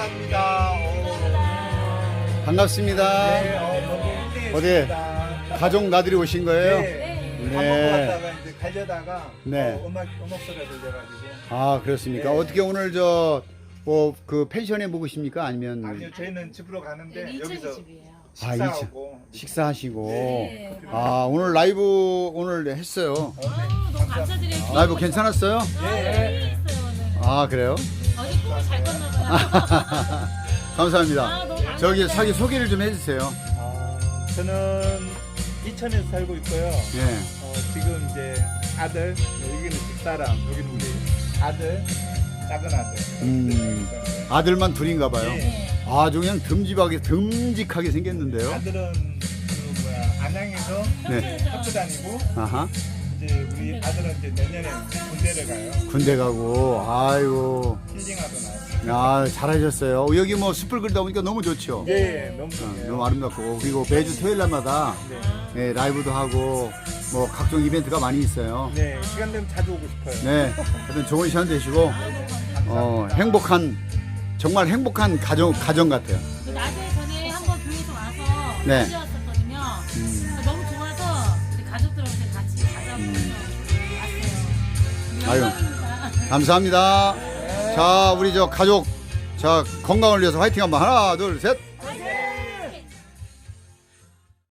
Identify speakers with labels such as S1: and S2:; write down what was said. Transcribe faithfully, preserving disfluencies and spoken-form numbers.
S1: 감사합니다. 오.
S2: 반갑습니다.
S1: 네, 어, 너무
S2: 어디
S1: 훌륭했습니다.
S2: 가족 나들이 오신 거예요?
S1: 네.
S2: 네.
S1: 밥 먹고 갔다가 이제 가려다가
S2: 네.
S1: 어, 음악 음악 소리가 들려가지고.
S2: 아 그렇습니까?
S1: 네.
S2: 어떻게 오늘 저 뭐 그 펜션에 묵으십니까? 아니면
S1: 아니요, 저희는 집으로 가는데
S3: 여기
S1: 여기서
S3: 집이에요.
S2: 아,
S1: 식사하고
S2: 식사하시고
S3: 네.
S2: 아 오늘 라이브 오늘 했어요.
S3: 아우, 너무 감사드려요.
S2: 라이브 괜찮았어요?
S1: 네.
S3: 했어요 오늘.
S2: 아 그래요?
S3: 어제 꿈을 잘 꿨나 봐요.
S2: 감사합니다.
S3: 아, 너무 감사합니다.
S2: 저기 자기 소개를 좀 해주세요.
S1: 아, 저는 이천에서 살고 있고요.
S2: 예.
S1: 어, 지금 이제 아들, 여기는 집사람, 여기는 우리 아들, 작은 아들.
S2: 음. 아들만 둘인가 봐요.
S1: 네.
S2: 아주 그냥 듬직하게 듬직하게 생겼는데요.
S1: 아들은 그 뭐야 안양에서
S2: 네.
S1: 학교 다니고
S2: 아하.
S1: 이제 우리 아들은 이제 내년에 군대를 가요.
S2: 군대 가고 아이고
S1: 힐링하러 나왔어요.
S2: 아 잘하셨어요. 여기 뭐 숲을 긁다 보니까 너무 좋죠.
S1: 예, 너무
S2: 어,
S1: 좋네요.
S2: 너무 아름답고 그리고 매주 토요일 날마다
S1: 네.
S2: 예, 라이브도 하고 뭐 각종 이벤트가 많이 있어요.
S1: 네, 시간 되면 자주 오고 싶어요.
S2: 네, 하여튼 좋은 시간 되시고 어, 행복한 정말 행복한 가정 가정 같아요.
S3: 그 낮에 전에 한번 교회에서 와서
S2: 네.
S3: 가져왔었거든요.
S2: 음.
S3: 너무 좋아서 우리 가족들한테 같이 가져보면서 왔어요.
S2: 아유.
S3: 영광입니다.
S2: 감사합니다. 자, 우리 저 가족 자 건강을 위해서 화이팅 한번 하나, 둘, 셋.